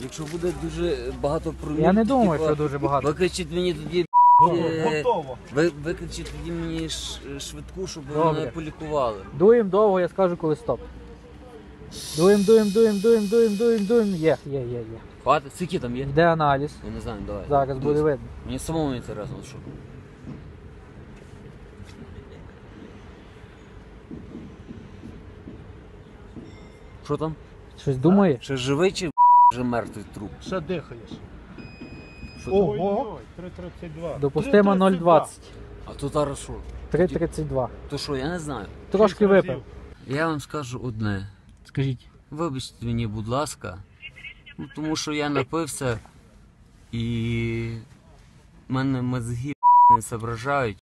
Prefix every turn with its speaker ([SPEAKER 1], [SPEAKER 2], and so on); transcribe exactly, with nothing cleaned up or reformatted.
[SPEAKER 1] Якщо буде дуже багато промів,
[SPEAKER 2] Я не думаю, що дуже багато.
[SPEAKER 1] Викричіть мені тоді, е,
[SPEAKER 3] Готово.
[SPEAKER 1] ви, викричіть тоді мені ш- швидку, щоб
[SPEAKER 2] Добре.
[SPEAKER 1] мене полікували.
[SPEAKER 2] Дуєм довго, я скажу, коли стоп. Дуєм, дуєм, дуєм, дуєм, дуєм, дуєм, дуєм. Є, є, є, є.
[SPEAKER 1] Хватить? Скільки там є?
[SPEAKER 2] Йде аналіз.
[SPEAKER 1] Я не знаю, давай.
[SPEAKER 2] Зараз буде
[SPEAKER 1] Дивись.
[SPEAKER 2] видно.
[SPEAKER 1] Мені самому інтересно, що. Що там?
[SPEAKER 2] Щось думає?
[SPEAKER 1] Ще живий чи вже мертвий труп?
[SPEAKER 3] Ще дихаєш.
[SPEAKER 1] Що там?
[SPEAKER 3] Ого! три тридцять два.
[SPEAKER 2] Допустимо нуль двадцять.
[SPEAKER 1] А то зараз що?
[SPEAKER 2] три тридцять два.
[SPEAKER 1] То що, я не знаю.
[SPEAKER 2] Трошки випив.
[SPEAKER 1] Я вам скажу одне.
[SPEAKER 2] Скажіть.
[SPEAKER 1] Вибачте мені, будь ласка, ну, тому що я напився і в мене мозги не соображають.